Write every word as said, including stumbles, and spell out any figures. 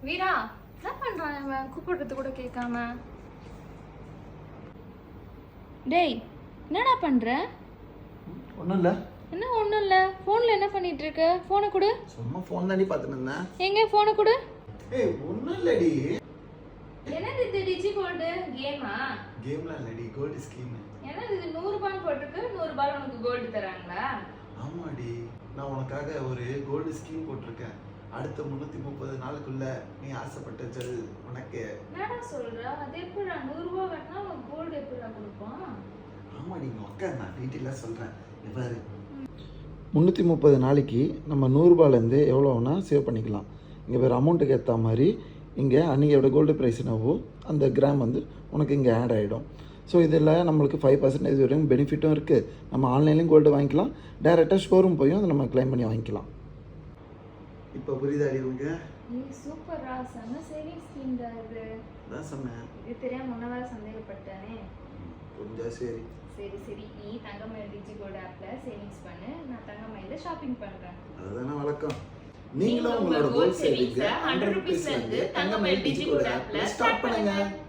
வீரா என்ன பண்றான் அவன்? கூப்பிடுறது கூட கேட்காம. டேய் என்னடா பண்ற? ஒன்றும் இல்லை. என்ன ஒன்றும் இல்லை, ஃபோனில் என்ன பண்ணிட்டு இருக்க? ஃபோனை கொடு. சும்மா ஃபோன் தாண்டி பார்த்துட்டு இருந்தேன். எங்க ஃபோனை கொடு. ஏய் ஒன்றும் இல்லடி. என்னது இது டிஜி கோல்டு கேமா? கேம்லாம் இல்லடி, கோல்டு ஸ்கீம். என்னது இது நூறு ரூபாய் போட்டுருக்கு, நூறு ரூபாய் உனக்கு கோல்டு தராங்களா? ஆமாடி, நான் உனக்காக ஒரு கோல்டு ஸ்கீம் போட்டிருக்கேன். அடுத்த முந்நூற்றி முப்பது நாளுக்குள்ள நீ ஆசைப்பட்ட ஜெல் உனக்கு. என்னடா சொல்ற? அது எப்படிடா நூறு ரூபாய் கட்டினா உனக்கு கோல்டு எப்படிடா கொடுப்பான்? ஆமாடி, இங்கே உட்கார், நான் டீட்டெயிலாக சொல்கிறேன். இவ்வாறு முந்நூற்றி முப்பது நாளைக்கு நம்ம நூறுரூபாலேருந்து எவ்வளோ வேணால் சேவ் பண்ணிக்கலாம். இங்கே வேறு அமௌண்ட்டுக்கு ஏற்ற மாதிரி இங்கே அன்றைக்கியோட கோல்டு ப்ரைஸ் என்னவோ அந்த கிராம் வந்து உனக்கு இங்கே ஆட் ஆகிடும். ஸோ இதில் நம்மளுக்கு ஃபைவ் பர்சன்டேஜ் வரையும் பெனிஃபிட்டும் இருக்குது. நம்ம ஆன்லைன்லேயும் கோல்டு வாங்கிக்கலாம், டேரெக்டாக ஷோரூம் போயும் அதை நம்ம க்ளைம் பண்ணி வாங்கிக்கலாம். இப்போ புரியுதாடி உங்க? ஏய் சூப்பரா, செம சேவிங் ஸ்கீம் தான் இது. அதான் சொன்னேன். இது தெரியாம முன்ன வேற சந்தேகப்பட்டானே. புரிஞ்சா சரி. சரி சரி, நீ தங்கமயில் டிஜி கோல்டு ஆப்ல சேவிங்ஸ் பண்ணு, நான் தங்கமயில ஷாப்பிங் பண்றேன். அதுதானே வழக்கம். நீங்களும் உங்களோட கோல்ட் சேவிங்ஸை ஹண்ட்ரட் ருபீஸ்ல இருந்து தங்கமயில் டிஜி கோல்டு ஆப்ல ஸ்டார்ட் பண்ணுங்க.